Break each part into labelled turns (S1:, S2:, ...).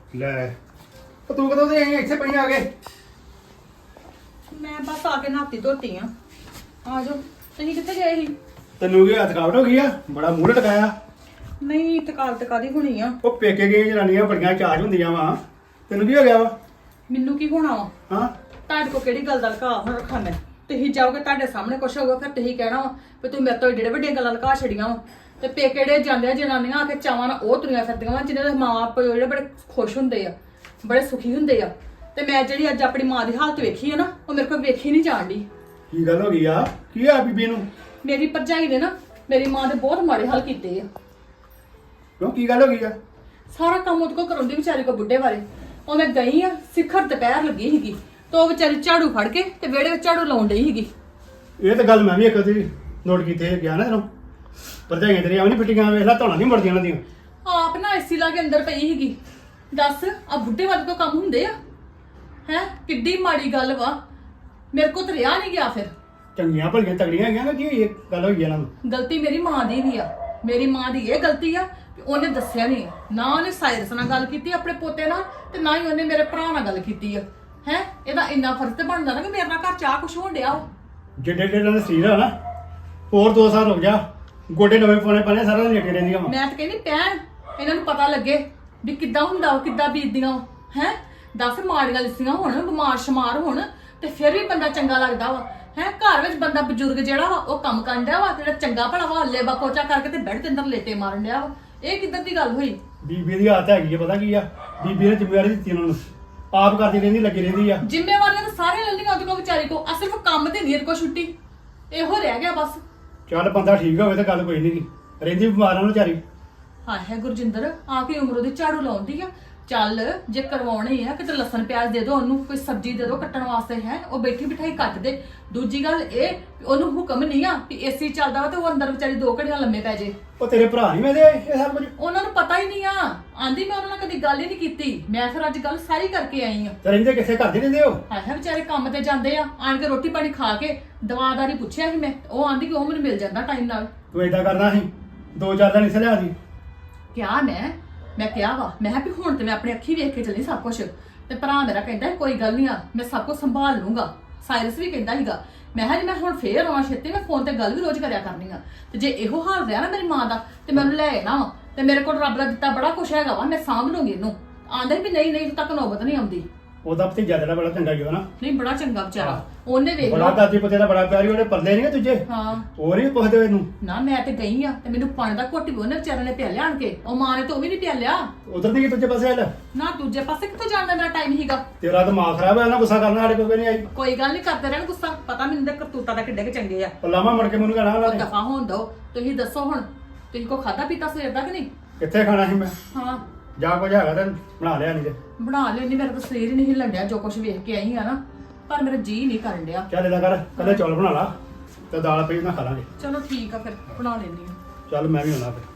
S1: ਲੈ ਉਹ ਤੂੰ ਕਦੋਂ ਦੇ ਆਈ ਇੱਥੇ ਪਈ ਆ ਗਏ?
S2: ਮੈਂ ਬਸ ਆ ਕੇ ਨਹਾਤੀ ਧੋਤੀ ਆ ਜਾਓ। ਤੁਸੀਂ ਕਿੱਥੇ ਗਏ ਸੀ?
S1: ਤੈਨੂੰ ਕੀ ਥਕਾਵਟ ਹੋ ਗਈ ਆ? ਬੜਾ ਮੂੰਹ ਲਟਕਾਇਆ।
S2: ਨਹੀਂ ਤਕਾਲ ਦੀ ਹੋਣੀ ਆ।
S1: ਉਹ ਪੇਕੇ ਗਏ ਜਨਾਨੀਆਂ ਬੜੀਆਂ ਚਾਰਜ ਹੁੰਦੀਆਂ ਵਾ। ਤੈਨੂੰ ਕੀ ਹੋ ਗਿਆ ਵਾ?
S2: ਮੈਨੂੰ ਕੀ ਹੋਣਾ ਵਾ?
S1: ਹਾਂ
S2: ਤੁਹਾਡੇ ਕੋ ਕਿਹੜੀ ਗੱਲ ਦਾ ਲਕਾ ਹੁਣ ਰੱਖਾਂ ਮੈਂ? ਤੁਸੀਂ ਜਾਓਗੇ ਤੁਹਾਡੇ ਸਾਹਮਣੇ ਕੁਛ ਹੋਊਗਾ ਫਿਰ ਤੁਸੀਂ ਕਹਿਣਾ ਵਾ ਵੀ ਤੂੰ ਮੇਰੇ ਤੋਂ ਜਿਹੜੇ ਵੱਡੀਆਂ ਗੱਲਾਂ ਲਕਾ ਛੜੀਆਂ ਵਾ। ਤੇ ਪੇਕੇ ਜਿਹੜੇ ਜਾਂਦੇ ਆ ਜਨਾਨੀਆਂ ਆ ਕੇ ਚਾਵਾਂ ਨਾਲ ਉਹ ਤੁਰੀਆਂ ਫਿਰਦੀਆਂ ਵਾ ਜਿਹਨਾਂ ਦੇ ਮਾਂ ਪਿਓ ਜਿਹੜੇ ਬੜੇ ਖੁਸ਼ ਹੁੰਦੇ ਆ, ਬੜੇ ਸੁਖੀ ਹੁੰਦੇ ਆ। ਤੇ ਮੈਂ ਜਿਹੜੀ ਅੱਜ ਆਪਣੀ ਮਾਂ ਦੀ ਹਾਲਤ ਵੇਖੀ ਆ ਨਾ, ਉਹ ਮੇਰੇ ਕੋਲ ਵੇਖੀ ਨਹੀਂ ਜਾਣ ਡਈ।
S1: ਕੀ ਗੱਲ ਹੋ ਗਈ ਆ? ਕੀ ਆ ਬੀਬੀ ਨੂੰ?
S2: ਮੇਰੀ ਭਰਜਾਈ ਨੇ ਨਾ ਮੇਰੀ ਮਾਂ ਦੇ ਬਹੁਤ ਮਾੜੇ ਹਾਲ ਕੀਤੇ ਆ।
S1: ਕਿਉਂ ਕੀ ਗੱਲ ਹੋ ਗਈ ਆ?
S2: ਸਾਰਾ ਕੰਮ ਉਹਦੇ ਕੋਲ ਕਰਾਉਂਦੀ ਵਿਚਾਰੀ ਕੋ ਬੁੱਢੇ ਬਾਰੇ। ਉਹ ਮੈਂ ਗਈ ਆ ਸਿਖਰ ਦੁਪਹਿਰ ਲੱਗੀ ਸੀਗੀ ਤੇ ਉਹ ਵਿਚਾਰੀ ਝਾੜੂ ਫੜ ਕੇ ਤੇ ਵਿਹੜੇ ਵਿੱਚ ਝਾੜੂ ਲਾਉਣ ਡਈ ਸੀਗੀ।
S1: ਇਹ ਤਾਂ ਗੱਲ ਮੈਂ ਵੀ ਇੱਕ ਵਾਰੀ ਨੋਟ ਕੀਤੀ ਹੈ ਗਿਆ ਨਾ ਤੈਨੂੰ। ਭਰਜਾਈਆਂ ਤੇਰੀਆਂ ਵੀ ਨਹੀਂ ਫਿੱਟੀਆਂ, ਵੇਖ ਲੈ ਧੌਣਾ ਨਹੀਂ ਮਰਦੀਆਂ ਉਹਨਾਂ ਦੀਆਂ।
S2: ਆਪ ਨਾ ਏਸੀ ਲਾ ਕੇ ਅੰਦਰ ਪਈ ਸੀਗੀ। ਦੱਸ ਆ ਬੁੱਢੇ ਵਾਲੇ ਤੋਂ ਕੰਮ ਹੁੰਦੇ ਆ? ਹੈ ਕਿੱਡੀ ਮਾੜੀ ਗੱਲ ਵਾ। ਮੇਰੇ ਕੋ ਤਾਂ ਰਿਹਾ ਨਹੀਂ ਗਿਆ। ਫਿਰ
S1: ਚੰਗੀਆਂ ਭਲੀਆਂ ਤਗੜੀਆਂ ਹੈਗੀਆਂ ਨਾ, ਕੀ ਇਹ ਗੱਲ ਹੋਈ ਇਹਨਾਂ ਨੂੰ?
S2: ਗਲਤੀ ਮੇਰੀ ਮਾਂ ਦੀ ਵੀ ਆ। ਮੇਰੀ ਮਾਂ ਦੀ ਇਹ ਗਲਤੀ ਆ ਕਿ ਉਹਨੇ ਦੱਸਿਆ ਨਹੀਂ। ਨਾ ਉਹਨੇ ਸਾਇਰਸ ਨਾਲ ਗੱਲ ਕੀਤੀ ਆਪਣੇ ਪੋਤੇ ਨਾਲ ਤੇ ਨਾ ਹੀ ਉਹਨੇ ਮੇਰੇ ਭਰਾ ਨਾਲ ਗੱਲ ਕੀਤੀ ਆ। ਹੈ ਇਹਦਾ ਇੰਨਾ ਫਰਜ਼ ਤੇ ਬਣਦਾ ਨਾ ਕਿ ਮੇਰੇ ਨਾਲ ਘਰ ਚਾਹ ਕੁਛ ਹੋਣ ਡਿਆ ਵਾ।
S1: ਜਿੱਡੇ ਜਿੱਡੇ ਦਾ ਸਰੀਰ ਆ ਨਾ, ਹੋਰ 2 ਸਾਲ ਰੁਕ ਜਾ, ਗੋਡੇ ਨਵੇਂ ਪਾਉਣੇ ਪੈਣੇ, ਸਾਰਾ ਦਿਨ ਲੱਗੇ ਰਹਿੰਦੀਆਂ ਵਾ।
S2: ਮੈਂ ਤਾਂ ਕਹਿੰਦੀ ਪੈਣ ਇਹਨਾਂ ਨੂੰ ਪਤਾ ਲੱਗੇ ਵੀ ਕਿੱਦਾਂ ਹੁੰਦਾ ਉਹ, ਕਿੱਦਾਂ ਬੀਤਦੀਆਂ ਹੈ। ਦੱਸ ਮਾੜੀਆਂ ਲਿਸੀਆਂ ਹੋਣ, ਬਿਮਾਰ ਸ਼ਮਾਰ ਹੋਣ ਤੇ ਫਿਰ ਵੀ ਬੰਦਾ ਚੰਗਾ ਲੱਗਦਾ ਵਾ। ਹੈ ਘਰ ਵਿੱਚ ਬੰਦਾ ਬਜ਼ੁਰਗ ਜਿਹੜਾ ਵਾ ਉਹ ਕੰਮ ਕਰਨ ਡਿਆ ਵਾ, ਜਿਹੜਾ ਚੰਗਾ ਭਲਾ ਵਾ ਹੱਲੇ ਬਕੋਚਾ ਕਰਕੇ ਤੇ ਬੈੱਡ ਦੇ ਅੰਦਰ ਲੇਟੇ ਮਾਰਨ ਡਿਆ ਵਾ। ਇਹ ਕਿੱਦਾਂ ਦੀ ਗੱਲ ਹੋਈ?
S1: ਬੀਬੀ ਦੀ ਆਦਤ ਹੈਗੀ ਆ, ਪਤਾ ਕੀ ਆ? ਬੀਬੀ ਨੇ ਜ਼ਿੰਮੇਵਾਰੀ ਦਿੱਤੀ ਉਹਨਾਂ ਨੂੰ, ਆਪ ਕਰਦੀ ਰਹਿੰਦੀ, ਲੱਗੀ ਰਹਿੰਦੀ ਆ।
S2: ਜ਼ਿੰਮੇਵਾਰੀਆਂ ਤਾਂ ਸਾਰੇ ਲੈ ਲਈਆਂ ਉਹਦੇ ਕੋਲ ਵਿਚਾਰੀ ਕੋ, ਆ ਸਿਰਫ ਕੰਮ ਤੇ ਨਹੀਂ ਕੋ ਛੁੱਟੀ। ਇਹੋ ਰਹਿ ਗਿਆ ਬਸ।
S1: ਚੱਲ ਬੰਦਾ ਠੀਕ ਹੋਵੇ ਤਾਂ ਗੱਲ ਕੋਈ ਨਹੀਂ, ਰਹਿੰਦੀ ਬਿਮਾਰਾਂ ਨੂੰ ਵਿਚਾਰੀ।
S2: ਹਾਂ ਹੈ ਗੁਰਜਿੰਦਰ, ਆ ਕੇ ਉਮਰ ਉਹਦੀ ਝਾੜੂ ਲਾਉਂਦੀ ਆ। ਚੱਲ ਜੇ ਕਰਵਾਉਣੀ ਆ ਕਿਤੇ ਲਸਣ ਪਿਆਜ਼ ਦੇ ਦੋ ਉਹਨੂੰ, ਕੋਈ ਸਬਜ਼ੀ ਦੇ ਦੋ ਕੱਟਣ ਵਾਸਤੇ। ਹੈ ਉਹ ਬੈਠੀ ਬਿਠਾਈ ਕੱਟ ਦੇ। ਦੂਜੀ ਗੱਲ ਇਹ ਉਹਨੂੰ ਹੁਕਮ ਨਹੀਂ ਆ ਕਿ ਏਸੀ ਚੱਲਦਾ ਵਾ ਤੇ ਉਹ ਅੰਦਰ ਵਿਚਾਰੀ 2 ਘੜੀਆਂ ਲੰਮੇ ਪੈ ਜੇ।
S1: ਉਹ ਤੇਰੇ ਭਰਾ ਨਹੀਂ ਵੇਦੇ ਇਹ ਸਭ ਕੁਝ?
S2: ਉਹਨਾਂ ਨੂੰ ਪਤਾ ਹੀ ਨਹੀਂ ਆ। ਆਂਦੀ ਮੈਂ ਉਹਨਾਂ ਨਾਲ ਕਦੀ ਗੱਲ ਹੀ ਨਹੀਂ ਕੀਤੀ। ਮੈਂ ਫਿਰ ਅੱਜ ਗੱਲ ਸਾਰੀ ਕਰਕੇ ਆਈ ਆ।
S1: ਤੇ ਰਹਿੰਦੇ ਕਿੱਥੇ ਕਰਦੇ ਰਹਿੰਦੇ ਹੋ?
S2: ਹੈ ਵਿਚਾਰੇ ਕੰਮ ਤੇ ਜਾਂਦੇ ਆ, ਆਣ ਕੇ ਰੋਟੀ ਪਾਣੀ ਖਾ ਕੇ ਦਵਾਦਾਰੀ ਪੁੱਛਿਆ ਸੀ ਮੈਂ, ਉਹ ਆਂਦੀ ਕਿ ਉਹ ਮੈਨੂੰ ਮਿਲ ਜਾਂਦਾ ਟਾਈਮ ਨਾਲ।
S1: ਤੂੰ ਏਦਾਂ ਕਰਦਾ ਸੀ 2-4 ਦਿਨ ਇਸੇ ਲਿਆ ਦੀ।
S2: ਕਿਹਾ ਮੈਂ ਕਿਹਾ ਵਾ, ਮੈਂ ਕਿਹਾ ਵੀ ਹੁਣ ਤੇ ਮੈਂ ਆਪਣੀ ਅੱਖੀ ਵੇਖ ਕੇ ਚੱਲੀ ਸਭ ਕੁਝ। ਤੇ ਭਰਾ ਮੇਰਾ ਕਹਿੰਦਾ ਕੋਈ ਗੱਲ ਨਹੀਂ ਆ, ਮੈਂ ਸਭ ਕੁਝ ਸੰਭਾਲ ਲੂੰਗਾ। ਸਾਇਰਸ ਵੀ ਕਹਿੰਦਾ ਸੀਗਾ। ਮੈਂ ਕਿਹਾ ਜੇ ਮੈਂ ਹੁਣ ਫੇਰ ਆਉਣਾ ਛੇਤੀ, ਮੈਂ ਫੋਨ ਤੇ ਗੱਲ ਵੀ ਰੋਜ਼ ਕਰਿਆ ਕਰਨੀ ਆ। ਤੇ ਜੇ ਇਹੋ ਹਾਲ ਰਿਹਾ ਨਾ ਮੇਰੀ ਮਾਂ ਦਾ ਤੇ ਮੈਂ ਉਹਨੂੰ ਲੈ ਆਣਾ ਵਾ। ਤੇ ਮੇਰੇ ਕੋਲ ਰੱਬ ਦਾ ਦਿੱਤਾ ਬੜਾ ਕੁਛ ਹੈਗਾ ਵਾ, ਮੈਂ ਸਾਂਭ ਲੂੰਗੀ ਇਹਨੂੰ। ਆਂਦਾ ਵੀ ਨਹੀਂ ਤੂੰ ਤੱਕ ਨੌਬਤ ਨਹੀਂ ਆਉਂਦੀ।
S1: ਉਹਦਾ ਭਤੀਜਾ ਜਿਹੜਾ ਬੜਾ ਚੰਗਾ ਹੀ ਨਾ।
S2: ਨਹੀਂ ਬੜਾ ਚੰਗਾ ਵਿਚਾਰਾ। ਉਹਨੇ ਵੇਖ
S1: ਬੜਾ ਦਾਦੀ ਪੁੱਤੇ ਦਾ ਬੜਾ ਪਿਆਰੀ, ਉਹਦੇ ਪਰਦੇ ਨਹੀਂ ਤੁਝੇ।
S2: ਹਾਂ
S1: ਉਹ ਨਹੀਂ ਪੁੱਛਦੇ ਇਹਨੂੰ
S2: ਨਾ। ਮੈਂ ਤੇ ਗਈ ਆ ਤੇ ਮੈਨੂੰ ਪਾਣੀ ਦਾ ਘੁੱਟ ਵੀ ਉਹਨੇ ਵਿਚਾਰੇ ਨੇ ਪਿਆ ਲਿਆ ਆਣ ਕੇ। ਉਹ ਮਾਂ ਨੇ ਤਾਂ ਉਹ ਵੀ ਨਹੀਂ ਪਿਆ ਲਿਆ।
S1: ਉਧਰ ਦੀ ਤੁਝੇ ਪਾਸੇ ਹਲ
S2: ਨਾ ਦੂਜੇ ਪਾਸੇ ਕਿੱਥੋਂ ਜਾਣ ਦਾ ਮੇਰਾ ਟਾਈਮ ਹੀਗਾ।
S1: ਤੇਰਾ ਦਿਮਾਗ ਖਰਾਬ ਹੈ ਨਾ, ਗੁੱਸਾ ਕਰਨਾ ਸਾਡੇ ਕੋਲ ਨਹੀਂ ਆਈ।
S2: ਕੋਈ ਗੱਲ ਨਹੀਂ ਕਰਦੇ ਰਹਿਣ ਗੁੱਸਾ, ਪਤਾ ਮੈਨੂੰ ਦੇ ਕਰਤੂਤਾਂ ਦਾ ਕਿੱਡੇ ਕਿ ਚੰਗੇ ਆ।
S1: ਪਲਾਮਾ ਮੜ ਕੇ ਮੈਨੂੰ ਕਹਿਣਾ ਉਹਨਾਂ ਨੇ।
S2: ਦਫਾ ਹੋਣ ਦੋ। ਤੁਸੀਂ ਦੱਸੋ ਹੁਣ, ਤੁਸੀਂ ਕੋ ਖਾਦਾ ਪੀਤਾ ਸਵੇਰ ਦਾ ਕਿ ਨਹੀਂ?
S1: ਕਿੱਥੇ ਖਾਣਾ ਸੀ ਮੈਂ?
S2: ਹਾਂ
S1: ਜਾਂ ਕੁਝ ਹੈਗਾ ਤਾਂ ਬਣਾ ਲਿਆ ਨਹੀਂ ਤੇ।
S2: ਬਣਾ ਲੈਣੀ, ਮੇਰਾ ਤਾਂ ਸਰੀਰ ਹੀ ਨਹੀਂ ਹਿੱਲਣ ਡਿਆ ਜੋ ਕੁਝ ਵੇਖ ਕੇ ਆਈ ਆ ਨਾ। ਪਰ ਮੇਰਾ ਜੀ ਨਹੀਂ ਕਰਨ ਡਿਆ।
S1: ਚੱਲ ਇਹਦਾ ਕਰ, ਕੱਲੇ ਚੌਲ ਬਣਾ ਲਾ ਤੇ ਦਾਲ ਪਈ ਨਾ ਖਾ ਲਾਂਗੇ।
S2: ਚਲੋ ਠੀਕ ਆ ਫਿਰ ਬਣਾ ਲੈਣੀ ਆ।
S1: ਚੱਲ ਮੈਂ ਵੀ ਆਉਣਾ ਫਿਰ।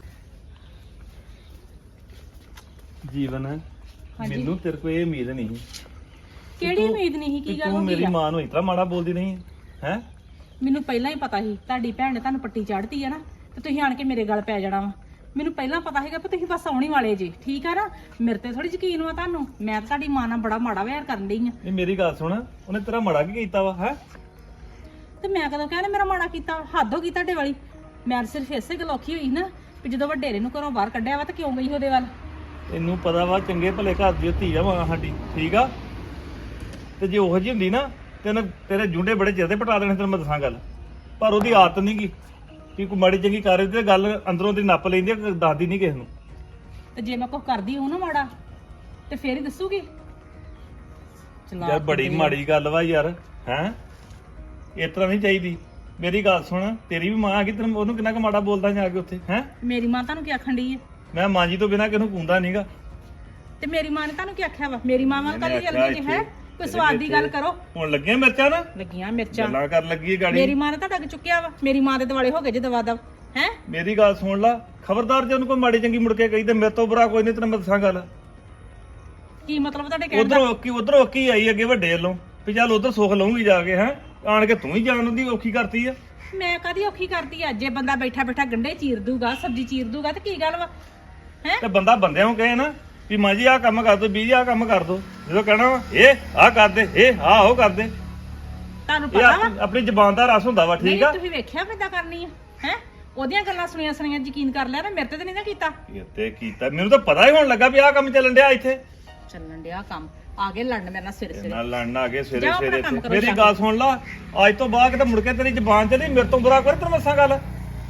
S3: ਜੀਵਨ ਮੈਨੂੰ ਤੇਰੇ ਕੋਲ ਇਹ ਉਮੀਦ ਨਹੀਂ
S4: ਕਿਹੜੀ ਉਮੀਦ ਨਹੀਂ? ਕੀ ਗੱਲ
S3: ਤੂੰ
S4: ਹੋ
S3: ਮੇਰੀ
S4: ਗਈ ਆ?
S3: ਮਾਂ ਨੂੰ ਇਤਨਾ ਮਾੜਾ ਬੋਲਦੀ ਨਹੀਂ ਹੈ।
S4: ਮੈਨੂੰ ਪਹਿਲਾਂ ਹੀ ਪਤਾ ਸੀ ਤੁਹਾਡੀ ਭੈਣ ਨੇ ਤੁਹਾਨੂੰ ਪੱਟੀ ਚੜ੍ਹਤੀ ਆ ਨਾ, ਤੇ ਤੁਸੀਂ ਆਣ ਕੇ ਮੇਰੇ ਗਲ ਪੈ ਜਾਣਾ ਵਾ। ਮੈਨੂੰ ਪਹਿਲਾਂ ਪਤਾ ਹੈਗਾ ਕਿ ਤੁਸੀਂ ਬਸ ਆਉਣੀ ਵਾਲੇ ਜੀ, ਠੀਕ ਆ ਨਾ? ਮੇਰੇ ਤੇ ਥੋੜੀ ਯਕੀਨ ਵਾ ਤੁਹਾਨੂੰ। ਮੈਂ ਤਾਂ ਤੁਹਾਡੀ ਮਾਂ ਨਾਲ ਬੜਾ ਮਾੜਾ ਵਿਹਾਰ ਕਰਨ ਡਈ ਆ।
S3: ਇਹ ਮੇਰੀ ਗੱਲ ਸੁਣ, ਉਹਨੇ ਤੇਰਾ ਮਾੜਾ ਕੀ ਕੀਤਾ ਵਾ ਹੈ?
S4: ਤੇ ਮੈਂ ਕਦੋਂ ਕਹਿੰਦਾ ਮੇਰਾ ਮਾੜਾ ਕੀਤਾ? ਹੱਦ ਹੋ ਗਈ ਤੁਹਾਡੇ ਵਾਲੀ। ਮੈਂ ਸਿਰਫ ਇਸੇ ਗੱਲ ਔਖੀ ਹੋਈ ਨਾ ਵੀ ਜਦੋਂ ਵੱਡੇਰੇ ਨੂੰ ਘਰੋਂ ਬਾਹਰ ਕੱਢਿਆ ਵਾ ਤਾਂ ਕਿਉਂ ਗਈ ਉਹਦੇ ਵੱਲ।
S3: ਤੈਨੂੰ ਪਤਾ ਵਾ ਚੰਗੇ ਭਲੇ ਘਰ ਦੀ ਧੀ ਆ ਮਾਂ ਸਾਡੀ, ਠੀਕ ਆ? ਤੇ ਜੇ ਉਹੋ ਜਿਹੀ ਹੁੰਦੀ ਨਾ ਤੇਰੇ ਜੁੰਡੇ ਬੜੇ ਚਿਰ ਦੇ ਪਟਾ ਦੇਣੇ, ਤੈਨੂੰ ਮੈਂ ਦੱਸਾਂ ਗੱਲ। ਪਰ ਉਹਦੀ ਆਦਤ ਨਹੀਂ ਗੀ ਕਿ ਕੋਈ ਮਾੜੀ ਚੰਗੀ ਕਰ ਤੇ ਗੱਲ ਅੰਦਰੋਂ ਦੀ ਨੱਪ ਲੈਂਦੀ ਆ, ਦੱਸਦੀ ਨਹੀਂ ਕਿਸੇ ਨੂੰ।
S4: ਤੇ ਜੇ ਮੈਂ ਕੁਝ ਕਰਦੀ ਹਾਂ ਨਾ ਮਾੜਾ ਤੇ ਫੇਰ ਹੀ ਦੱਸੂਗੀ।
S3: ਯਾਰ ਬੜੀ ਮਾੜੀ ਗੱਲ ਵਾ ਯਾਰ, ਹੈ ਇਸ ਤਰ੍ਹਾਂ ਨਹੀਂ ਚਾਹੀਦੀ। ਮੇਰੀ ਗੱਲ ਸੁਣ, ਤੇਰੀ ਵੀ ਮਾਂ ਆ ਗਈ, ਤੈਨੂੰ ਉਹਨੂੰ ਕਿੰਨਾ ਕੁ ਮਾੜਾ ਬੋਲਦਾ ਜਾ ਕੇ ਉੱਥੇ ਹੈ?
S4: ਮੇਰੀ ਮਾਂ ਤੁਹਾਨੂੰ ਕੀ ਆਖਣ ਡਈ ਹੈ?
S3: ਮੈਂ ਮਾਂ ਜੀ ਤੋਂ ਬਿਨਾਂ ਕਿਸੇ ਨੂੰ ਕੂੰਦਾ ਨਹੀਂਗਾ।
S4: ਤੇ ਮੇਰੀ ਮਾਂ ਨੇ ਤੁਹਾਨੂੰ ਕੀ ਆਖਿਆ ਵਾ? ਮੇਰੀ ਮਾਂ ਵਾਂ ਕਦੀ ਜਲਦੀ ਜੀ ਹੈ? ਕੋਈ ਸਵਾਦ ਦੀ ਗੱਲ ਕਰੋ।
S3: ਹੁਣ ਲੱਗੀਆਂ ਮਿਰਚਾਂ ਨਾ,
S4: ਲੱਗੀਆਂ ਮਿਰਚਾਂ
S3: ਗੱਲਾਂ ਕਰਨ ਲੱਗੀ ਗਾੜੀ।
S4: ਮੇਰੀ ਮਾਂ ਨੇ ਤੁਹਾਡਾ ਕਿ ਚੁੱਕਿਆ ਵਾ? ਮੇਰੀ ਮਾਂ ਦੇ ਦਿਵਾਲੇ ਹੋ ਗਏ ਜੇ ਦਵਾ ਦਵ ਹੈ।
S3: ਮੇਰੀ ਗੱਲ ਸੁਣ ਲਾ, ਖਬਰਦਾਰ ਜੇ ਉਹਨੂੰ ਕੋਈ ਮਾੜੀ ਚੰਗੀ ਮੁੜ ਕੇ ਕਹੀ ਤੇ ਮੇਰੇ ਤੋਂ ਬੁਰਾ ਕੋਈ ਨਹੀਂ, ਤੈਨੂੰ ਮੈਂ ਦੱਸਾਂ ਗੱਲ।
S4: ਕੀ ਮਤਲਬ ਤੁਹਾਡੇ ਕਹਿਣ ਦਾ?
S3: ਉਧਰੋਂ ਕੀ ਆਈ ਅੱਗੇ ਵੱਡੇ ਵੱਲੋਂ ਵੀ ਚੱਲ ਉਧਰ ਸੁੱਖ ਲਊਂਗੀ ਜਾ ਕੇ, ਹੈ ਆਣ ਕੇ ਤੂੰ ਹੀ ਜਾਣ ਦੀ ਔਖੀ ਕਰਤੀ ਆ।
S4: ਮੈਂ ਕਦੀ ਔਖੀ ਕਰਦੀ ਆ? ਜੇ ਬੰਦਾ ਬੈਠਾ ਬੈਠਾ ਗੰਢੇ ਚੀਰ ਦੂਗਾ, ਸਬਜ਼ੀ ਚੀਰ ਦੂਗਾ ਤੇ ਕੀ ਗੱਲ ਵਾ ਹੈ?
S3: ਤੇ ਬੰਦਾ ਬੰਦਿਆਂ ਨੂੰ ਕਹੇ ਨਾ ਵੀ ਮਾਂ ਜੀ ਆਹ ਕੰਮ ਕਰ ਦੋ, ਬੀਜੀ ਆਹ ਕੰਮ ਕਰ ਦੋ। ਜਦੋਂ ਕਹਿਣਾ ਵਾ ਇਹ ਆਹ ਕਰ ਦੇ, ਇਹ ਆਹ ਉਹ ਕਰ ਦੇ,
S4: ਤੁਹਾਨੂੰ
S3: ਇਹ
S4: ਪਤਾ ਵਾ
S3: ਆਪਣੀ ਜ਼ਬਾਨ ਦਾ ਰਸ ਹੁੰਦਾ ਵਾ। ਠੀਕ
S4: ਨਹੀਂ
S3: ਆ,
S4: ਤੁਸੀਂ ਵੇਖਿਆ ਕਿੱਦਾਂ ਕਰਨੀ ਆ ਹੈ ਉਹਦੀਆਂ ਗੱਲਾਂ ਸੁਣੀਆਂ ਸੁਣੀਆਂ ਯਕੀਨ ਕਰ ਲਿਆ ਨਾ ਮੇਰੇ ਤੇ ਨਹੀਂ ਨਾ ਕੀਤਾ
S3: ਇਹ ਤੇ ਕੀਤਾ, ਮੈਨੂੰ ਤਾਂ ਪਤਾ ਹੀ ਹੋਣ ਲੱਗਾ ਵੀ ਆਹ ਕੰਮ ਚੱਲਣ ਡਿਆ ਇੱਥੇ।
S4: ਚੱਲਣ ਡਿਆ ਕੰਮ ਆ ਗਏ ਲੜਨ ਮੇਰੇ ਨਾਲ ਸਿਰ ਸਿਰ
S3: ਨਾਲ ਲੜਨ ਆ ਗਏ ਸਵੇਰੇ
S4: ਜਾਓ ਆਪਣਾ
S3: ਸਵੇਰੇ
S4: ਕੰਮ
S3: ਇੱਥੇ।
S4: ਕਰੋ
S3: ਮੇਰੀ
S4: ਜਾ
S3: ਗੱਲ ਸੁਣ ਲਾ, ਅੱਜ ਤੋਂ ਬਾਅਦ ਕਿਤੇ ਮੁੜ ਕੇ ਤੇਰੀ ਜ਼ਬਾਨ ਤੇ ਨਹੀਂ ਮੇਰੇ ਤੋਂ ਬੁਰਾ ਕਰ ਤੈਨੂੰ ਮੱਸਾਂ ਗੱਲ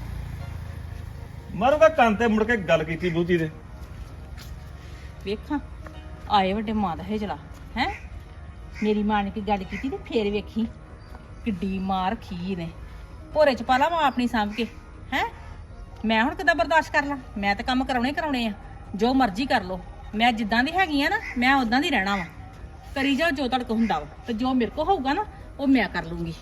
S3: ਮਾਰੂਗਾ ਕੰਨ ਤੇ ਮੁੜ ਕੇ ਗੱਲ ਕੀਤੀ ਬੂਤੀ ਦੇ।
S4: ਵੇਖਾਂ ਆਏ ਵੱਡੇ ਮਾਂ ਦਾ ਹੇਜਲਾ ਹੈ ਮੇਰੀ ਮਾਂ ਨੇ ਕੀ ਗੱਲ ਕੀਤੀ ਤੇ ਫੇਰ ਵੇਖੀ ਕਿੱਡੀ ਮਾਰ ਖੀ ਨੇ ਭੋਰੇ ਚ ਪਾ ਲਾ ਮਾਂ ਆਪਣੀ ਸਾਂਭ ਕੇ ਹੈ ਮੈਂ ਹੁਣ ਕਿੱਦਾਂ ਬਰਦਾਸ਼ਤ ਕਰ ਲਾਂ ਮੈਂ ਤਾਂ ਕੰਮ ਕਰਾਉਣੇ ਆ ਜੋ ਮਰਜ਼ੀ ਕਰ ਲੋ ਮੈਂ ਜਿੱਦਾਂ ਦੀ ਹੈਗੀ ਆ ਨਾ ਮੈਂ ਉਦਾਂ ਦੀ ਰਹਿਣਾ ਵਾ ਕਰੀ ਜਾਓ ਜੋ ਤੁਹਾਡੇ ਕੋ ਹੁੰਦਾ ਵਾ ਤੇ ਜੋ ਮੇਰੇ ਕੋ ਹੋਊਗਾ ਨਾ ਉਹ ਮੈਂ ਕਰ ਲੂੰਗੀ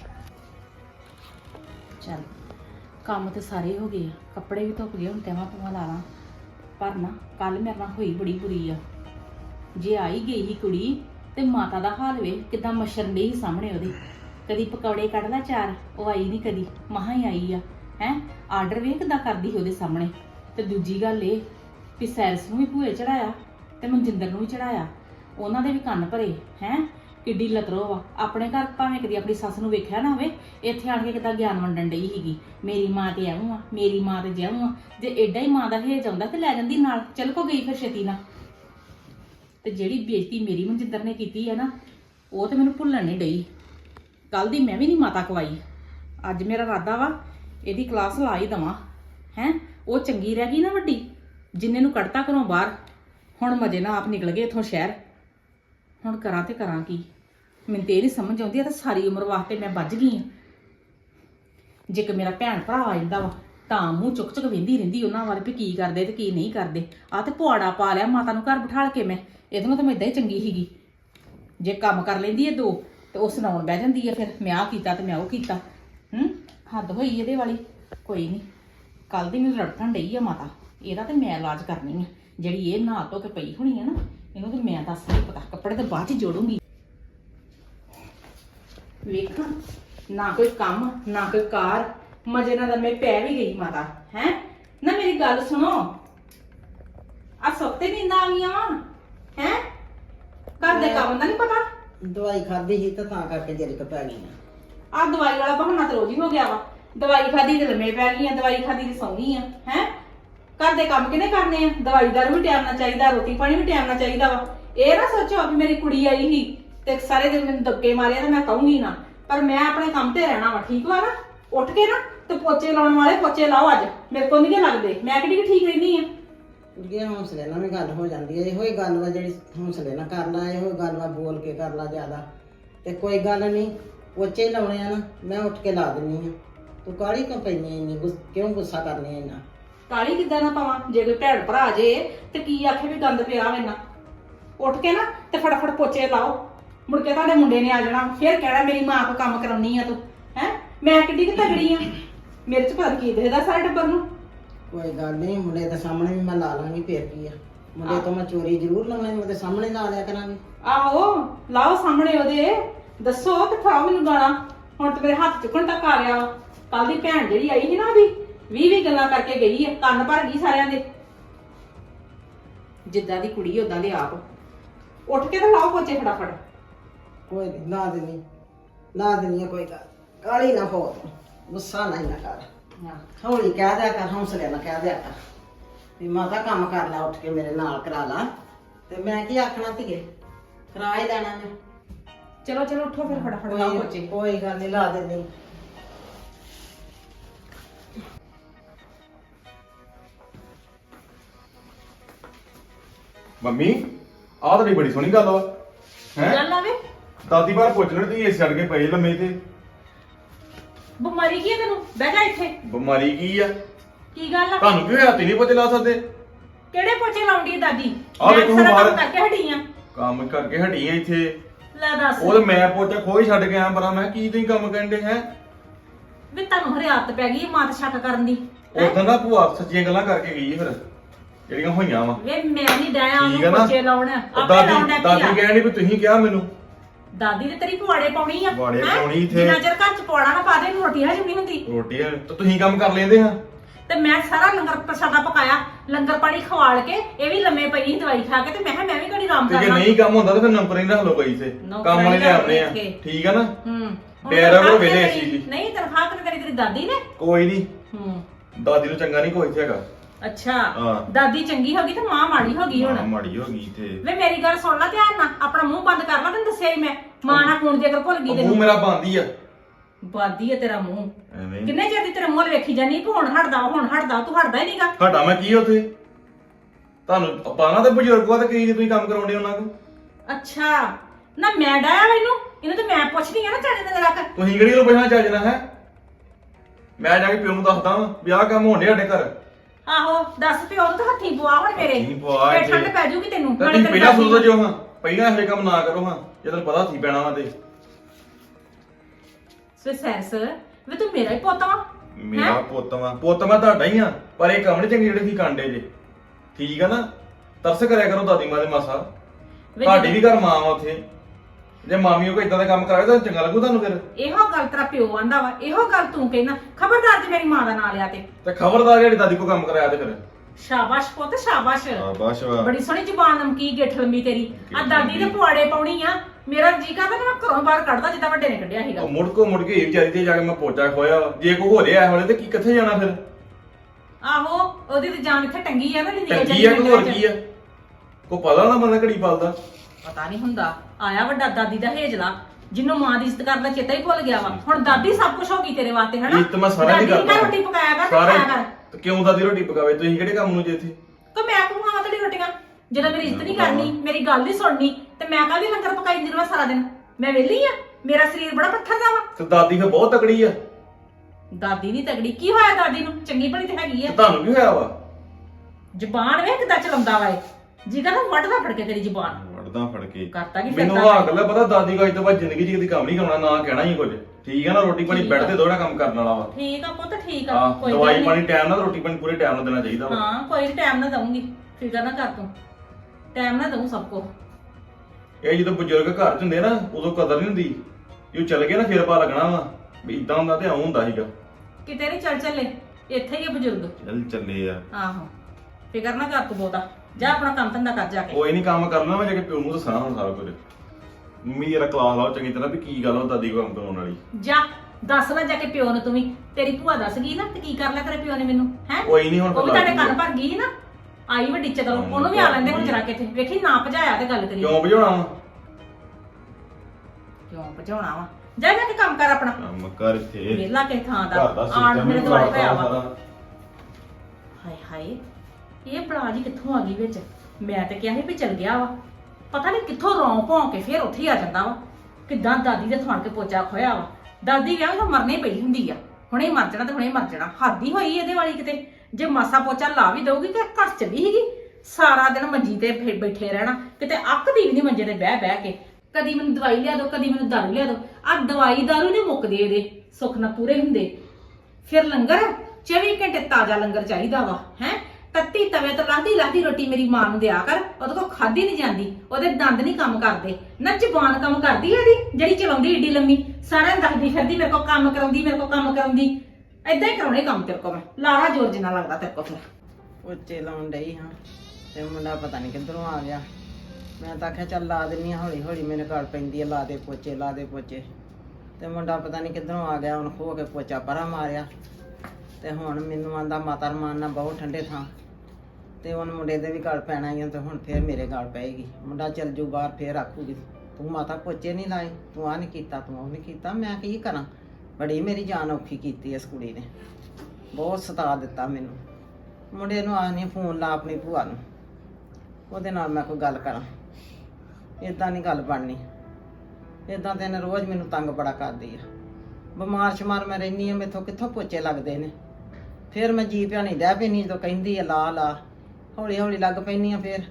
S4: ਚੱਲ ਕੰਮ ਤੇ ਸਾਰੇ ਹੋ ਗਏ ਆ ਕੱਪੜੇ ਵੀ ਧੁੱਪ ਗਏ ਹੁਣ ਤੈਵਾਂ ਤੂੰ ਲਾ ਲਾਂ ਪਰ ਨਾ ਕੱਲ ਮੇਰੇ ਨਾਲ ਹੋਈ ਬੜੀ ਬੁਰੀ ਆ ਜੇ ਆਈ ਗਈ ਹੀ ਕੁੜੀ ਤੇ ਮਾਤਾ ਦਾ ਹਾਲ ਵੇ ਕਿਦਾਂ ਮਸ਼ਰਨ ਡਈ ਸੀ ਸਾਹਮਣੇ ਉਹਦੇ ਕਦੀ ਪਕੌੜੇ ਕੱਢਦਾ ਚਾਰ ਉਹ ਆਈ ਨਹੀਂ ਕਦੀ ਮਹਾਂ ਹੀ ਆਈ ਆ ਹੈ ਆਰਡਰ ਵੇ ਕਿਦਾਂ ਕਰਦੀ ਸੀ ਉਹਦੇ ਸਾਹਮਣੇ ਤੇ ਦੂਜੀ ਗੱਲ ਇਹ ਵੀ ਸੈਰਸ ਨੂੰ ਵੀ ਭੂਏ ਚੜਾਇਆ ਤੇ ਮਨਜਿੰਦਰ ਨੂੰ ਵੀ ਚੜਾਇਆ ਉਹਨਾਂ ਦੇ ਵੀ ਕੰਨ ਭਰੇ ਹੈ ਕਿੱਡੀ ਲਤਰੋ ਵਾ ਆਪਣੇ ਘਰ ਭਾਵੇਂ ਕਦੀ ਆਪਣੀ ਸੱਸ ਨੂੰ ਵੇਖਿਆ ਨਾ ਹੋਵੇ ਇੱਥੇ ਆਣ ਕੇ ਕਿਦਾਂ ਗਿਆਨ ਵੰਡਣ ਡਈ ਸੀਗੀ ਮੇਰੀ ਮਾਂ ਤੇ ਆਉਂ ਆ ਮੇਰੀ ਮਾਂ ਤੇ ਜਾਉਂ ਆ ਜੇ ਐਡਾ ਹੀ ਮਾਂ ਦਾ ਹੇਜ ਆਉਂਦਾ ਤੇ ਲੈ ਜਾਂਦੀ ਨਾਲ ਚੱਲ ਕੋ ਗਈ ਫਿਰ ਛੇਤੀ ਨਾਲ ਤੇ ਜਿਹੜੀ ਬੇਇੱਜ਼ਤੀ ਮੇਰੀ ਮਨਜਿੰਦਰ ਨੇ ਕੀਤੀ ਹੈ ਨਾ ਉਹ ਤੇ ਮੈਨੂੰ ਭੁੱਲਣ ਨਹੀਂ ਡਈ ਕੱਲ ਦੀ ਮੈਂ ਵੀ ਨਹੀਂ ਮਾਤਾ ਕਵਾਈ ਅੱਜ ਮੇਰਾ ਇਰਾਦਾ ਵਾ ਇਹਦੀ ਕਲਾਸ ਲਾ ਹੀ ਦਵਾਂ ਹੈ ਉਹ ਚੰਗੀ ਰਹਿ ਗਈ ਨਾ ਵੱਡੀ ਜਿੰਨੇ ਨੂੰ ਕੱਢਤਾ ਘਰੋਂ ਬਾਹਰ ਹੁਣ ਮਜੇ ਨਾਲ ਆਪ ਨਿਕਲ ਗਏ ਇੱਥੋਂ ਸ਼ਹਿਰ ਹੁਣ ਕਰਾਂ ਤੇ ਕਰਾਂ ਕੀ ਮੈਨੂੰ ਤੇ ਇਹ ਨਹੀਂ ਸਮਝ ਆਉਂਦੀ ਆ ਤਾਂ ਸਾਰੀ ਉਮਰ ਵਾਸਤੇ ਮੈਂ ਵੱਜ ਗਈ ਆ ਜੇ ਕਿ ਮੇਰਾ ਭੈਣ ਭਰਾ ਆ ਜਾਂਦਾ ਵਾ ਤਾਂ ਮੂੰਹ ਚੁੱਕ ਚੁੱਕ ਵੇਂਦੀ ਰਹਿੰਦੀ ਉਹਨਾਂ ਵਾਲੇ ਵੀ ਕੀ ਕਰਦੇ ਤੇ ਕੀ ਨਹੀਂ ਕਰਦੇ ਆ ਤੇ ਪੁਆੜਾ ਪਾ ਲਿਆ ਮਾਤਾ ਨੂੰ ਘਰ ਬਿਠਾਲ ਕੇ ਮੈਂ ਇਹਦੇ ਨਾਲ ਤਾਂ ਮੈਂ ਇਦਾਂ ਹੀ ਚੰਗੀ ਸੀਗੀ ਜੇ ਕੰਮ ਕਰ ਲੈਂਦੀ ਹੈ ਦੋ ਤੇ ਉਹ ਸੁਣਾਉਣ ਬਹਿ ਜਾਂਦੀ ਹੈ ਫਿਰ ਮੈਂ ਆਹ ਕੀਤਾ ਤੇ ਮੈਂ ਉਹ ਕੀਤਾ ਹੱਦ ਹੋਈ ਇਹਦੇ ਵਾਲੀ ਕੋਈ ਨਹੀਂ ਕੱਲ ਦੀ ਮੈਨੂੰ ਰੜਕਣ ਡਈ ਆ ਮਾਤਾ ਇਹਦਾ ਤੇ ਮੈਂ ਇਲਾਜ ਕਰਨੀ ਆ ਜਿਹੜੀ ਇਹ ਨਹਾ ਧੋ ਕੇ ਪਈ ਹੋਣੀ ਆ ਨਾ ਇਹਨੂੰ ਤੇ ਮੈਂ ਦੱਸ ਨਹੀਂ ਪਤਾ ਕੱਪੜੇ ਤੇ ਬਾਅਦ ਚ ਜੋੜੂੰਗੀ ਵੇਖਾਂ ਨਾ ਕੋਈ ਕੰਮ ਨਾ ਕੋਈ ਕਾਰ ਮਜੇ ਨਾਲ ਮੈਂ ਪੈ ਵੀ ਗਈ ਮਾਤਾ ਹੈ ਨਾ ਮੇਰੀ ਗੱਲ ਸੁਣੋ ਆ ਸੁੱਤੇ ਨੀਂਦਾਂ ਆ ਗਈਆਂ ਵਾ ਹੈ ਘਰ ਦੇ ਕੰਮ ਦਾ ਨਹੀਂ ਪਤਾ
S5: ਦਵਾਈ ਖਾਦੀ ਸੀ ਤਾਂ ਕਰਕੇ ਜਰੀ ਕ ਪੈ ਗਈ
S4: ਆ ਦਵਾਈ ਵਾਲਾ ਬਹਾਨਾ ਤਾਂ ਰੋਜ਼ ਹੀ ਹੋ ਗਿਆ ਵਾ ਦਵਾਈ ਖਾਦੀ ਤੇ ਲੰਮੇ ਪੈ ਗਈ ਆ ਦਵਾਈ ਖਾਦੀ ਤੇ ਸੌਂ ਗਈ ਆ ਹੈ ਘਰ ਦੇ ਕੰਮ ਕਿਹਨੇ ਕਰਨੇ ਆ ਦਵਾਈ ਦਾਰੂ ਵੀ ਟਾਈਮ ਨਾਲ ਚਾਹੀਦਾ ਰੋਟੀ ਪਾਣੀ ਵੀ ਟਾਈਮ ਨਾਲ ਚਾਹੀਦਾ ਵਾ ਇਹ ਨਾ ਸੋਚੋ ਵੀ ਮੇਰੀ ਕੁੜੀ ਆਈ ਸੀ ਤੇ ਸਾਰੇ ਦਿਨ ਮੈਨੂੰ ਧੱਕੇ ਮਾਰਿਆ ਤੇ ਮੈਂ ਕਹੂੰਗੀ ਨਾ ਪਰ ਮੈਂ ਆਪਣੇ ਕੰਮ ਤੇ ਰਹਿਣਾ ਵਾ ਠੀਕ ਵਾ ਨਾ ਉੱਠ ਕੇ ਨਾ ਤੇ ਪੋਚੇ ਲਾਉਣ ਵਾਲੇ ਪੋਚੇ ਲਾਓ ਅੱਜ ਮੇਰੇ ਕੋਲ ਨਹੀਂ ਲੱਗਦੇ ਮੈਂ ਕਿਹੜੀ ਠੀਕ ਰਹਿੰਦੀ ਆ
S5: ਇਹ ਹੌਸਲੇ ਨਾਲ ਵੀ ਗੱਲ ਹੋ ਜਾਂਦੀ ਹੈ ਇਹੋ ਹੀ ਗੱਲ ਵਾ ਜਿਹੜੀ ਹੌਸਲੇ ਨਾਲ ਕਰ ਲਾ ਇਹੋ ਗੱਲ ਵਾ ਬੋਲ ਕੇ ਕਰ ਲਾ ਜ਼ਿਆਦਾ ਤੇ ਕੋਈ ਗੱਲ ਨਹੀਂ ਪੋਚੇ ਲਾਉਣੇ ਆ ਨਾ ਮੈਂ ਉੱਠ ਕੇ ਲਾ ਦਿੰਨੀ ਆ ਤੂੰ ਕਾਹਲੀ ਕਿਉਂ ਪੈਣੀ ਇੰਨੀ ਕਿਉਂ ਗੁੱਸਾ ਕਰਨੀ ਇੰਨਾ
S4: ਕਾਲੀ ਕਿੱਦਾਂ ਨਾ ਪਾਵਾਂ ਜੇ ਕੋਈ ਭੈਣ ਭਰਾ ਜੇ ਤੇ ਕੀ ਆਖੇ ਵੀ ਗੰਦ ਪਿਆ ਵੇ ਨਾ ਉੱਠ ਕੇ ਨਾ ਤੇ ਫਟਾਫਟ ਪੋਚੇ ਲਾਓ ਮੁੜ ਕੇ ਤੁਹਾਡੇ ਮੁੰਡੇ ਨੇ ਆ ਜਾਣਾ ਫਿਰ ਕਹਿਣਾ ਮੇਰੀ ਮਾਂ ਕੋ ਕੰਮ ਕਰਾਉਣੀ ਆ ਤੂੰ ਹੈ ਮੈਂ ਕਿੱਡੀ ਕਿ ਤਗੜੀ ਆ ਮੇਰੇ ਚ ਪਤਾ ਕੀ ਦੇਖਦਾ ਸਾਰੇ ਟੱਬਰ ਨੂੰ
S5: ਕੋਈ ਗੱਲ ਨਹੀਂ ਮੁੰਡੇ ਦੇ ਸਾਹਮਣੇ ਵੀ ਮੈਂ ਲਾ ਲਾਂਗੀ ਫੇਰ ਕੀ ਆ ਮੁੰਡੇ ਤੋਂ ਮੈਂ ਚੋਰੀ ਜ਼ਰੂਰ ਲਾਉਣੀ ਉਹਦੇ ਸਾਹਮਣੇ ਲਾ ਲਿਆ ਕਰਾਂਗੀ
S4: ਆਹੋ ਲਾਓ ਸਾਹਮਣੇ ਉਹਦੇ ਦੱਸੋ ਕਿ ਫਾਓ ਮੈਨੂੰ ਗਾਣਾ ਹੁਣ ਤੇ ਮੇਰੇ ਹੱਥ ਚੁੱਕਣ ਤੱਕ ਆ ਰਿਹਾ ਕੱਲ ਦੀ ਭੈਣ ਜਿਹੜੀ ਆਈ ਸੀ ਨਾ ਉਹਦੀ 20 ਗੱਲਾਂ ਕਰਕੇ ਗਈ ਆ ਕੰਨ ਭਰ ਗਈ ਸਾਰਿਆਂ ਦੇ ਜਿੱਦਾਂ ਦੀ ਕੁੜੀ ਉਦਾਂ ਦੇ ਆਪ ਉੱਠ ਕੇ ਤਾਂ ਲਾਓ ਪੋਚੇ ਫਟਾਫਟ
S5: ਕੋਈ ਨਹੀਂ ਲਾ ਦੇਣੀ ਕੋਈ ਗੱਲ ਕਾਲੀ ਨਾ ਹੋ ਤੂੰ ਗੁੱਸਾ ਨਾ ਕਰ ਹੌਲੀ ਕਹਿ ਦਿਆ ਕਰ ਹੌਸਲੇ ਨਾਲ ਕਹਿ ਦਿਆ ਕਰ ਵੀ ਮਾਤਾ ਕੰਮ ਕਰ ਲੈ ਉੱਠ ਕੇ ਮੇਰੇ ਨਾਲ ਕਰਾ ਲਾ ਤੇ ਮੈਂ ਕੀ ਆਖਣਾ ਧੀਏ ਕਰਾ ਹੀ ਦੇਣਾ ਮੈਂ
S4: ਚਲੋ ਚਲੋ ਉੱਠੋ ਫਿਰ ਫਟਾਫਟ ਲਾਓ ਪੋਚੇ
S5: ਕੋਈ ਗੱਲ ਨਹੀਂ ਲਾ ਦੇਣੀ
S6: ਮੰਮੀ ਆਹ ਤਾਂ ਬੜੀ ਸੋਹਣੀ ਗੱਲ ਵਾ ਹੈ
S4: ਚੱਲ ਆਵੇ
S6: ਦਾਦੀ ਬਾਹਰ ਪੁੱਛ ਲੈਣ ਤੁਸੀਂ ਇਸ ਛੱਡ ਕੇ ਪਏ ਲੰਮੇ ਤੇ
S4: ਬਿਮਾਰੀ ਕੀ ਹੈ ਤੈਨੂੰ ਬਹਿ ਜਾ ਇੱਥੇ
S6: ਬਿਮਾਰੀ ਕੀ ਆ
S4: ਕੀ ਗੱਲ ਆ
S6: ਤੁਹਾਨੂੰ ਕਿਉਂ ਹੱਥ ਨਹੀਂ ਪੋਚੇ ਲਾ ਸਕਦੇ
S4: ਕਿਹੜੇ ਪੋਚੇ ਲਾਉਂਦੀ ਹੈ ਦਾਦੀ
S6: ਆਹ ਵੇਖੋ
S4: ਸਾਰਾ
S6: ਬਾਹਰ।
S4: ਕੰਮ ਕਰਕੇ ਹਟੀ ਆ
S6: ਕੰਮ ਕਰਕੇ ਹਟੀ ਆ ਇੱਥੇ
S4: ਲੈ ਦੱਸ
S6: ਉਹ ਤੇ ਮੈਂ ਪੋਚਾ ਖੋਹ ਹੀ ਛੱਡ ਕੇ ਆਇਆ ਪਰਾਂ ਮੈਂ ਕੀ ਤੁਸੀਂ ਕੰਮ ਕਰਦੇ ਹੈ
S4: ਵੀ ਤੁਹਾਨੂੰ ਹਰੇ ਆਦਤ ਪੈ ਗਈ ਹੈ ਮਾਤ ਸ਼ੱਕ ਕਰਨ ਦੀ
S6: ਉਦੋਂ ਦਾ ਭੂਆ ਸੱਚੀਆਂ ਗੱਲਾਂ ਕਰਕੇ ਗਈ ਫਿਰ ਜਿਹੜੀਆਂ ਹੋਈਆਂ ਵਾ
S4: ਵੇ ਮੈਂ ਨਹੀਂ ਡਾਇਆ
S6: ਠੀਕ ਆ
S4: ਉਹਨੂੰ
S6: ਨਾ?
S4: ਪੋਚੇ ਲਾਉਣ ਆਪੇ ਲਾਉਣ
S6: ਦਾਦੀ
S4: ਦਾ ਕੀ
S6: ਦਾਦੀ
S4: ਆ
S6: ਕਹਿਣੀ ਵੀ ਤੁਸੀਂ ਕਿਹਾ ਮੈਨੂੰ
S4: ਦਾਦੀ ਤੇ ਤੇਰੀ ਪੁਆੜੇ ਪਾਉਣੀ ਆ
S6: ਪੁਆੜੇ
S4: ਹੈਂ?
S6: ਪਾਉਣੀ ਇੱਥੇ।
S4: ਜਿੰਨਾ ਚਿਰ ਘਰ ਚ ਪੁਆੜਾ ਨਾ ਪਾ ਦੇ ਇਹਨੂੰ ਰੋਟੀ ਹਜਮ ਨਹੀਂ ਹੁੰਦੀ
S6: ਰੋਟੀ ਤਾਂ ਤੁਸੀਂ ਕੰਮ ਕਰ ਲੈਂਦੇ ਹਾਂ
S4: ਤੇ ਮੈਂ ਸਾਰਾ ਲੰਗਰ ਪ੍ਰਸ਼ਾਦਾ ਪਕਾਇਆ, ਲੰਗਰ ਪਾਣੀ ਖਵਾਲ ਕੇ ਇਹ ਵੀ ਲੰਮੇ ਪਈ ਸੀ ਦਵਾਈ ਖਾ ਕੇ, ਤੇ ਮੈਂ ਕਿਹਾ ਮੈਂ ਵੀ ਘੜੀ ਆਰਾਮ
S6: ਤੇ ਜੇ
S4: ਕਰਨਾ।
S6: ਨਹੀਂ ਕੰਮ ਹੁੰਦਾ ਤਾਂ ਫਿਰ ਨੰਬਰ ਹੀ ਰੱਖ ਲਓ ਕੋਈ ਤੇ
S4: ਨੌਕਰ
S6: ਕੰਮ ਵਾਲੇ
S4: ਹੀ
S6: ਲੈ
S4: ਰੱਖ
S6: ਆਉਣੇ ਆ
S4: ਇੱਥੇ।
S6: ਠੀਕ ਆ ਨਾ
S4: ਹੁਣ
S6: ਡੇਰਾ
S4: ਤਨਖਾਹ
S6: ਕੋਲ ਵੇਲੇ
S4: ਕਿਹੜੀ-
S6: ਸੀ ਜੀ।
S4: ਨਹੀਂ ਤਨਖਾਹ ਕਿਹਨੇ ਤੇਰੀ ਦਾਦੀ ਨੇ?
S6: ਕੋਈ ਨਹੀਂ
S4: ਹੂੰ
S6: ਦਾਦੀ ਨੂੰ ਚੰਗਾ ਨਹੀਂ ਕੋਈ ਹੈਗਾ
S4: ਅੱਛਾ
S6: ਹਾਂ।
S4: ਦਾਦੀ ਚੰਗੀ ਹੋ ਗਈ ਤੇ ਮਾਂ ਮਾੜੀ ਹੋ ਗਈ
S6: ਮਾਂ
S4: ਹੁਣ।
S6: ਮਾੜੀ ਹੋ ਗਈ ਤੇ
S4: ਵੇ ਮੇਰੀ ਗੱਲ ਸੁਣ ਲੈ ਧਿਆਨ ਨਾਲ, ਆਪਣਾ ਮੂੰਹ ਬੰਦ ਕਰ ਲੈ, ਤੈਨੂੰ ਦੱਸਿਆ ਹੀ ਮੈਂ ਮਾਂ ਨਾਲ ਕੂਣ ਜੇਕਰ ਭੁੱਲ ਗਈ
S6: ਉਹ ਮੂੰਹ
S4: ਤੈਨੂੰ।
S6: ਮੇਰਾ ਬੰਦ ਹੀ ਆ
S4: ਬਾਦੀ ਹੈ ਤੇਰਾ ਮੂੰਹ।
S6: ਐਵੇਂ
S4: ਕਿੰਨੇ ਚਿਰ ਦੀ ਤੇਰੇ ਮੂੰਹ ਵੱਲ ਵੇਖੀ ਜਾਨੀ ਕਿ ਹੁਣ ਹਟਦਾ ਹੁਣ ਹਟਦਾ, ਤੂੰ ਹਟਦਾ ਹੀ ਨਹੀਂਗਾ।
S6: ਹਟਾ ਮੈਂ ਕੀ ਉਥੇ ਤੁਹਾਨੂੰ ਪਾਣਾ ਤੇ ਬਜ਼ੁਰਗ ਵਾ ਤੇ ਕੀ ਤੁਸੀਂ ਕੰਮ ਕਰਾਉਂਦੇ ਉਹਨਾਂ ਕੋ
S4: ਅੱਛਾ ਨਾ ਮੈਂ ਡਾਇਆ ਮੈਨੂੰ, ਇਹਨੂੰ ਤੇ ਮੈਂ ਪੁੱਛਦੀ ਆ ਨਾ ਚਾੜੇ ਨਾਲ ਰੱਖ।
S6: ਤੁਸੀਂ ਕਿਹੜੀ ਨੂੰ ਪੁੱਛਣਾ ਚੱਜਣਾ ਹੈ ਮੈਂ ਜਾ ਕੇ ਪਿਓ ਨੂੰ ਦੱਸਦਾ ਵਾਂ ਵੀ ਆਹ ਕੰਮ ਹੋਣ ਡਿਆ ਸਾਡੇ ਘਰ
S4: ਆਹੋ ਦੱਸ ਪਿਓ ਨੂੰ ਤਾਂ ਹੱਥੀ ਪਵਾ ਹੁਣ ਮੇਰੇ,
S6: ਹੱਥੀਂ ਪਵਾ
S4: ਫੇਰ ਠੰਡ
S6: ਇੱਥੇ।
S4: ਪੈ ਜੂਗੀ ਤੈਨੂੰ।
S6: ਤੇ
S4: ਨਾਲੇ
S6: ਤੁਸੀਂ
S4: ਤੇਰੀ
S6: ਪਹਿਲਾਂ
S4: ਦਾਦੀ-
S6: ਸੋਚੋ ਜੋ ਹਾਂ ਪਹਿਲਾਂ ਇਹੋ ਜਿਹੇ ਕੰਮ ਨਾ ਕਰੋ ਹਾਂ ਜੇ ਤੁਹਾਨੂੰ ਪਤਾ ਸੀ ਪੈਣਾ ਵਾ ਤੇ
S4: ਸੋ ਸੈਰਸ ਵੇ ਤੂੰ ਮੇਰਾ ਹੀ ਪੁੱਤ ਵਾ।
S6: ਮੇਰਾ ਪੁੱਤ ਵਾ ਤੁਹਾਡਾ ਹੀ ਆ ਪਰ ਇਹ ਕੰਮ ਨਹੀਂ ਚੰਗੇ ਜਿਹੜੇ ਤੁਸੀਂ ਕਾਂਡੇ ਜੇ ਠੀਕ ਆ ਨਾ ਤਰਸ ਕਰਿਆ ਕਰੋ ਦਾਦੀ ਮਾਂ ਦੇ ਮਾਸਾ
S4: ਵੇ
S6: ਤੁਹਾਡੀ ਵੀ ਘਰ ਮਾਂ ਵਾ ਉੱਥੇ ਜੇ ਮਾਮੀ ਕੋ ਇਦਾਂ ਦਾ ਕੰਮ ਕਰਾਵੇ ਤਾਂ ਚੰਗਾ ਲੱਗੂ ਤੁਹਾਨੂੰ ਫਿਰ
S4: ਇਹੋ ਗੱਲ ਤੇਰਾ ਪਿਓ ਆਂਦਾ ਵਾ, ਇਹੋ ਗੱਲ ਤੂੰ ਕਹਿਣਾ। ਖਬਰਦਾਰ ਜੇ ਮੇਰੀ ਮਾਂ ਦਾ ਨਾਂ ਲਿਆ ਤੇ
S6: ਖਬਰਦਾਰ ਜਿਹੜੀ ਦਾਦੀ ਕੋ ਕੰਮ ਕਰਾਇਆ ਤੇ ਫਿਰ
S4: ਸ਼ਾਬਾਸ਼ ਪੁੱਤ ਸ਼ਾਬਾਸ਼।
S6: ਬਾਸ਼ ਵਾ
S4: ਬੜੀ ਸੋਹਣੀ ਜ਼ੁਬਾਨ ਨਮਕੀ ਗਿੱਠ ਲੰਮੀ ਤੇਰੀ। ਆ ਦਾਦੀ ਦੇ ਪੁਆੜੇ ਪਾਉਣੀ ਆ, ਮੇਰਾ ਜੀ ਕਰਦਾ ਮੈਂ ਘਰੋਂ ਬਾਹਰ ਕੱਢਦਾ ਜਿੱਦਾਂ ਵੱਡੇ ਨੇ ਕੱਢਿਆ ਸੀਗਾ।
S6: ਉਹ ਮੁੜ ਕੇ ਵਿਚਾਰੀ ਤੇ ਜਾ ਕੇ ਮੈਂ ਪੋਚਾ ਖੋਇਆ ਜੇ ਕੋ ਹੋ ਰਿਹਾ ਹੋਲੇ ਤੇ ਕੀ ਕਿੱਥੇ ਜਾਣਾ ਫਿਰ
S4: ਆਹੋ ਉਹਦੀ ਤੇ ਜਾਨ ਇੱਥੇ ਟੰਗੀ ਆ ਨਾ ਜਿੰਦੀ
S6: ਟੰਗੀ ਆ ਕਿ ਹੋਰ ਕੀ ਆ ਕੋ ਪਤਾ ਨਾ ਬੰਦਾ ਘੜੀ ਪਾਲਦਾ
S4: ਪਤਾ ਨਹੀਂ ਹੁੰਦਾ। ਆਇਆ ਵੱਡਾ ਦਾਦੀ ਦਾ ਹੇਜਲਾ, ਜਿਹਨੂੰ ਮਾਂ ਦੀ ਇੱਜ਼ਤ ਕਰਦਾ ਚੇਤਾ ਹੀ ਭੁੱਲ ਗਿਆ ਵਾ। ਹੁਣ ਦਾਦੀ ਸਭ ਕੁਝ ਹੋ ਗਈ ਤੇਰੇ ਵਾਸਤੇ ਹਨਾ।
S6: ਇੱਜ਼ਤ ਮੈਂ ਸਾਰਿਆਂ ਦੀ
S4: ਦਾਦੀ
S6: ਕਰਦਾ
S4: ਘਰ ਰੋਟੀ ਪਕਾਇਆ ਕਰ ਤੇ
S6: ਸਾਰੇ
S4: ਖਾਇਆ ਕਰ।
S6: ਤੇ ਕਿਉਂ ਦਾਦੀ ਰੋਟੀ ਪਕਾਵੇ ਤੁਸੀਂ ਕਿਹੜੇ ਕੰਮ ਨੂੰ ਜੇ ਇੱਥੇ
S4: ਕਿ ਮੈਂ ਪਕਾਵਾਂ ਤੇਰੀ ਰੋਟੀਆਂ ਜਦੋਂ ਮੇਰੀ ਇੱਜ਼ਤ ਨਹੀਂ ਕਰਨੀ, ਮੇਰੀ ਗੱਲ ਨਹੀਂ ਸੁਣਨੀ, ਤੇ ਮੈਂ ਕਾਹਦੀ ਲੰਗਰ ਪਕਾਈ ਦਿੰਦੀ ਸਾਰਾ ਦਿਨ? ਮੈਂ ਵਿਹਲੀ ਆ? ਮੇਰਾ ਸਰੀਰ ਬੜਾ ਪੱਥਰ ਦਾ ਵਾ।
S6: ਤੇ ਦਾਦੀ ਫਿਰ ਬਹੁਤ ਤਕੜੀ ਆ
S4: ਦਾਦੀ ਨਹੀਂ ਤਗੜੀ, ਕੀ ਹੋਇਆ ਦਾਦੀ ਨੂੰ? ਚੰਗੀ ਭਲੀ ਤੇ ਹੈਗੀ
S6: ਤੇ
S4: ਆ।
S6: ਤੁਹਾਨੂੰ ਕੀ ਹੋਇਆ ਵਾ
S4: ਜ਼ੁਬਾਨ ਵੇ ਕਿੱਦਾਂ ਚਲਾਉਂਦਾ ਵਾ ਇਹ, ਜੀ ਕਹਿੰਦਾ ਵੱਢਦਾ ਫੜ ਕੇ ਤੇਰੀ ਜ਼ੁਬਾਨ।
S6: ਵੜਦਾ ਫੜ ਕੇ
S4: ਕਰਤਾ ਕੀ
S6: ਮੈਨੂੰ
S4: ਫਿਰਦਾ
S6: ਆਹ ਗੱਲ ਆ, ਪਤਾ ਦਾਦੀ ਕੋ ਅੱਜ ਤੋਂ ਬਾਅਦ ਜ਼ਿੰਦਗੀ 'ਚ ਕਦੀ ਕੰਮ ਨਹੀਂ ਕਰਾਉਣਾ ਨਾ ਕਹਿਣਾ ਹੀ ਕੁਝ ਠੀਕ ਆ ਨਾ ਰੋਟੀ ਪਾਣੀ
S4: ਠੀਕ
S6: ਬੈੱਡ
S4: ਆ।
S6: ਤੇ ਦੋੜਾ ਕੰਮ ਕਰਨ ਵਾਲਾ ਵਾ
S4: ਠੀਕ ਆ ਪੁੱਤ ਠੀਕ ਆ,
S6: ਹਾਂ
S4: ਕੋਈ ਗੱਲ
S6: ਦਵਾਈ
S4: ਨਹੀਂ।
S6: ਪਾਣੀ ਟਾਈਮ ਨਾਲ ਰੋਟੀ ਪਾਣੀ ਪੂਰੇ ਟਾਈਮ ਨਾਲ ਦੇਣਾ ਚਾਹੀਦਾ ਵਾ
S4: ਹਾਂ ਕੋਈ ਟਾਈਮ ਨਾ ਦਊਂਗੀ, ਫਿਕਰ ਨਾ ਕਰ ਤੂੰ, ਟਾਈਮ ਨਾ ਦਊਂ ਸਭ ਕੋ।
S6: ਇਹ ਜਦੋਂ ਬਜ਼ੁਰਗ ਘਰ 'ਚ ਹੁੰਦੇ ਨਾ ਉਦੋਂ ਕਦਰ ਨਹੀਂ ਹੁੰਦੀ ਜੇ ਉਹ ਚਲ ਗਏ ਨਾ ਫਿਰ ਪਾ ਲੱਗਣਾ ਵਾ ਵੀ ਇਦਾਂ ਹੁੰਦਾ ਤੇ ਆਉਂ ਹੁੰਦਾ ਸੀਗਾ
S4: ਕਿਤੇ ਨਹੀਂ ਚੱਲ ਚੱਲੇ, ਇੱਥੇ ਹੀ ਆ ਬਜ਼ੁਰਗ।
S6: ਚੱਲ ਚੱਲੇ ਆ
S4: ਆਹੋ ਫਿਕਰ ਨਾ ਕਰ ਤੂੰ ਬਹੁਤਾ, ਜਾ ਆਪਣਾ ਕੰਮ ਧੰਦਾ ਕਰ ਜਾ ਕੇ।
S6: ਕੋਈ ਨਹੀਂ ਕੰਮ ਕਰਨਾ ਮੈਂ ਜਾ ਕੇ ਪਿਓ ਨੂੰ ਦੱਸਣਾ ਹੁਣ ਸਾਰਾ ਕੁਝ ਮੰਮੀ ਜਰਾ ਕਲਾਸ ਲਾਓ ਚੰਗੀ ਤਰ੍ਹਾਂ ਵੀ ਕੀ ਗੱਲ ਆ ਦਾਦੀ ਕੋ ਕੰਮ ਕਰਾਉਣ ਵਾਲੀ
S4: ਜਾ ਦੱਸ ਨਾ ਜਾ ਕੇ ਪਿਓ ਨੂੰ, ਤੂੰ ਵੀ ਤੇਰੀ ਭੂਆ ਦੱਸ ਗਈ ਨਾ ਤੇ ਕੀ ਕਰ ਲਿਆ ਤੇਰੇ ਪਿਓ ਨੇ ਮੈਨੂੰ ਹੈ।
S6: ਕੋਈ ਨਹੀਂ ਹੁਣ
S4: ਉਹ ਵੀ
S6: ਫਿਰ
S4: ਤੁਹਾਡੇ
S6: ਲੱਗ
S4: ਕੰਨ ਭਰ ਗਈ ਸੀ ਨਾ, ਆਈ ਵੱਡੀ ਚਕਰੋਂ, ਉਹਨੂੰ ਵੀ ਆ ਲੈਂਦੇ ਹੁਣ ਜਰਾ ਕੇ ਇੱਥੇ, ਵੇਖੀ ਨਾ ਭਜਾਇਆ ਤੇ ਗੱਲ ਕਰੀ।
S6: ਕਿਉਂ ਭਜਾਉਣਾ ਵਾ
S4: ਕਿਉਂ ਭਜਾਉਣਾ ਵਾ? ਜਾ ਜਾ ਕੇ ਕੰਮ ਕਰ ਆਪਣਾ,
S6: ਕੰਮ ਕਰ ਇੱਥੇ
S4: ਵੇਲਾ ਕੇ ਥਾਂ ਦਾ
S6: ਘਰ ਦਾ
S4: ਆਣ
S6: ਸਿਸਟਮ
S4: ਮੇਰੇ
S6: ਹੀ
S4: ਦੁਆਲੇ
S6: ਖਰਾਬ
S4: ਪਿਆ ਵਾ।
S6: ਸਾਰਾ।
S4: ਹਾਏ ਹਾਏ ਇਹ ਬੜਾ ਜੀ ਕਿੱਥੋਂ ਆ ਗਈ ਵਿੱਚ? ਮੈਂ ਤੇ ਕਿਹਾ ਸੀ ਵੀ ਚਲ ਗਿਆ ਵਾ, ਪਤਾ ਨਹੀਂ ਕਿੱਥੋਂ ਰੌਂ ਭੌਂ ਕੇ ਫੇਰ ਉੱਥੇ ਹੀ ਆ ਜਾਂਦਾ ਵਾ। ਕਿੱਦਾਂ ਦਾਦੀ ਦੇ ਥਣ ਕੇ ਪੋਚਾ ਖੋਇਆ ਵਾ। ਦਾਦੀ ਵਿਆਹ ਤਾਂ ਮਰਨੇ ਪਈ ਹੁੰਦੀ ਆ, ਹੁਣੇ ਹੀ ਮਰ ਜਾਣਾ ਤੇ ਹੁਣੇ ਹੀ ਮਰ ਜਾਣਾ। ਹੱਦ ਹੀ ਹੋਈ ਇਹਦੇ ਵਾਲੀ ਕਿਤੇ, ਜੇ ਮਾਸਾ ਪੋਚਾ ਲਾ ਵੀ ਦਊਗੀ ਕਿ ਘਰ ਚੱਲੀ ਸੀਗੀ, ਸਾਰਾ ਦਿਨ ਮੰਜੀ ਤੇ ਬੈਠੇ ਰਹਿਣਾ, ਕਿਤੇ ਅੱਕਦੀ ਵੀ ਨਹੀਂ ਮੰਜੇ ਤੇ ਬਹਿ ਬਹਿ ਕੇ। ਕਦੀ ਮੈਨੂੰ ਦਵਾਈ ਲਿਆ ਦੋ, ਕਦੀ ਮੈਨੂੰ ਦਾਰੂ ਲਿਆ ਦੋ। ਆ ਦਵਾਈ ਦਾਰੂ ਨਹੀਂ ਮੁੱਕਦੇ ਇਹਦੇ, ਸੁੱਖ ਨਾ ਪੂਰੇ ਹੁੰਦੇ। ਫਿਰ ਲੰਗਰ 24 ਘੰਟੇ ਤਾਜ਼ਾ ਲੰਗਰ ਚਾਹੀਦਾ ਵਾ ਹੈ। ਤੱਤੀ ਤਵੇ ਤੋਂ ਲਾਦੀ ਰੋਟੀ ਮੇਰੀ ਮਾਂ ਨੂੰ ਦਿਆ ਕਰ, ਉਹਦੇ ਕੋਲ ਖਾਦੀ ਨਹੀਂ ਜਾਂਦੀ, ਉਹਦੇ ਦੰਦ ਨਹੀਂ ਕੰਮ ਕਰਦੇ ਨਾ, ਜ਼ੁਬਾਨ ਕੰਮ ਕਰਦੀ ਇਹਦੀ ਜਿਹੜੀ ਚਲਾਉਂਦੀ ਏਡੀ ਲੰਮੀ, ਸਾਰਿਆਂ ਨੂੰ ਦੱਸਦੀ ਫਿਰਦੀ ਮੇਰੇ ਕੋਲ ਕੰਮ ਕਰਾਉਂਦੀ, ਮੇਰੇ ਕੋਲ ਕੰਮ ਕਰਾਉਂਦੀ। ਏਦਾਂ ਹੀ ਕਰਾਉਣੇ ਕੰਮ ਤੇਰੇ ਕੋਲ ਮੈਂ, ਲਾਰਾ ਜੋਰ ਜਿੰਨਾ ਲੱਗਦਾ ਤੇਰੇ ਕੋਲ। ਫਿਰ
S5: ਪੋਚੇ ਲਾਉਣ ਡਈ ਹਾਂ ਤੇ ਮੁੰਡਾ ਪਤਾ ਨਹੀਂ ਕਿੱਧਰੋਂ ਆ ਗਿਆ। ਮੈਂ ਤਾਂ ਆਖਿਆ ਚੱਲ ਲਾ ਦਿੰਨੀ ਆ, ਹੌਲੀ ਹੌਲੀ ਮੇਰੇ ਘਰ ਪੈਂਦੀ ਆ, ਲਾ ਦੇ ਪੋਚੇ ਲਾ ਦੇ ਪੋਚੇ। ਤੇ ਮੁੰਡਾ ਪਤਾ ਨਹੀਂ ਕਿੱਧਰੋਂ ਆ ਗਿਆ, ਹੁਣ ਖੋ ਕੇ ਪੋਚਾ ਪਰਾਂ ਮਾਰਿਆ ਤੇ ਹੁਣ ਮੈਨੂੰ ਆਂਦਾ ਮਾਤਾ ਰਮਾਨ ਨਾਲ ਬਹੁਤ ਠੰਡੇ ਥਾਂ। ਤੇ ਹੁਣ ਮੁੰਡੇ ਦੇ ਵੀ ਗਲ ਪੈਣਾ ਹੀ ਆ, ਤੇ ਹੁਣ ਫੇਰ ਮੇਰੇ ਗਲ ਪਏਗੀ। ਮੁੰਡਾ ਚੱਲ ਜੂ ਬਾਹਰ, ਫੇਰ ਆਖੂਗੀ ਤੂੰ ਮਾਤਾ ਪੋਚੇ ਨਹੀਂ ਲਾਏ, ਤੂੰ ਆ ਨਹੀਂ ਕੀਤਾ, ਤੂੰ ਉਹ ਨਹੀਂ ਕੀਤਾ। ਮੈਂ ਕੀ ਕਰਾਂ, ਬੜੀ ਮੇਰੀ ਜਾਨ ਔਖੀ ਕੀਤੀ ਇਸ ਕੁੜੀ ਨੇ, ਬਹੁਤ ਸਤਾ ਦਿੱਤਾ ਮੈਨੂੰ। ਮੁੰਡੇ ਨੂੰ ਆਖਨੀ ਫੋਨ ਲਾ ਆਪਣੀ ਭੂਆ ਨੂੰ, ਉਹਦੇ ਨਾਲ ਮੈਂ ਕੋਈ ਗੱਲ ਕਰਾਂ। ਇਦਾਂ ਨਹੀਂ ਗੱਲ ਬਣਨੀ, ਇਦਾਂ ਤੇ ਇਹਨੇ ਰੋਜ਼ ਮੈਨੂੰ ਤੰਗ ਬੜਾ ਕਰਦੀ ਆ। ਬਿਮਾਰ ਸ਼ਮਾਰ ਮੈਂ ਰਹਿੰਦੀ ਆ, ਮੈਥੋਂ ਕਿੱਥੋਂ ਪੋਚੇ ਲੱਗਦੇ ਨੇ। ਫਿਰ ਮੈਂ ਜੀ ਪਿਆਣੀ ਡਹਿ ਪੈਂਦੀ ਜਦੋਂ ਕਹਿੰਦੀ ਆ ਲਾ ਲਾ, ਹੌਲੀ ਹੌਲੀ ਲੱਗ ਪੈਂਦੀ ਆ। ਫਿਰ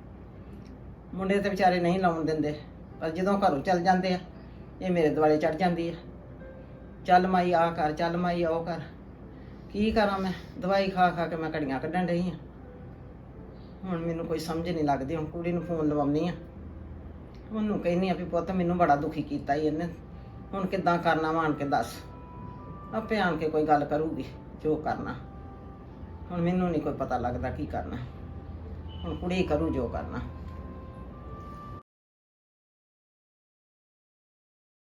S5: ਮੁੰਡੇ ਤੇ ਵਿਚਾਰੇ ਨਹੀਂ ਲਾਉਣ ਦਿੰਦੇ, ਪਰ ਜਦੋਂ ਘਰੋਂ ਚੱਲ ਜਾਂਦੇ ਆ ਇਹ ਮੇਰੇ ਦੁਆਲੇ ਚੜ ਜਾਂਦੀ ਆ। ਚੱਲ ਮਾਈ ਆ ਕਰ, ਚੱਲ ਮਾਈ ਉਹ ਕਰ। ਕੀ ਕਰਾਂ ਮੈਂ, ਦਵਾਈ ਖਾ ਖਾ ਕੇ ਮੈਂ ਘੜੀਆਂ ਕੱਢਣ ਰਹੀ ਆ। ਹੁਣ ਮੈਨੂੰ ਕੋਈ ਸਮਝ ਨਹੀਂ ਲੱਗਦੀ। ਹੁਣ ਕੁੜੀ ਨੂੰ ਫੋਨ ਲਵਾਉਣੀ ਆ, ਉਹਨੂੰ ਕਹਿੰਦੀ ਆ ਵੀ ਪੁੱਤ ਮੈਨੂੰ ਬੜਾ ਦੁਖੀ ਕੀਤਾ ਈ ਇਹਨੇ, ਹੁਣ ਕਿੱਦਾਂ ਕਰਨਾ ਵਾ ਆਣ ਕੇ ਦੱਸ। ਆਪੇ ਆਣ ਕੇ ਕੋਈ ਗੱਲ ਕਰੂਗੀ ਜੋ ਕਰਨਾ। ਹੁਣ ਮੈਨੂੰ ਨਹੀਂ ਕੋਈ ਪਤਾ ਲੱਗਦਾ ਕੀ ਕਰਨਾ। ਹੁਣ ਕੁੜੀ ਕਰੂ ਜੋ ਕਰਨਾ।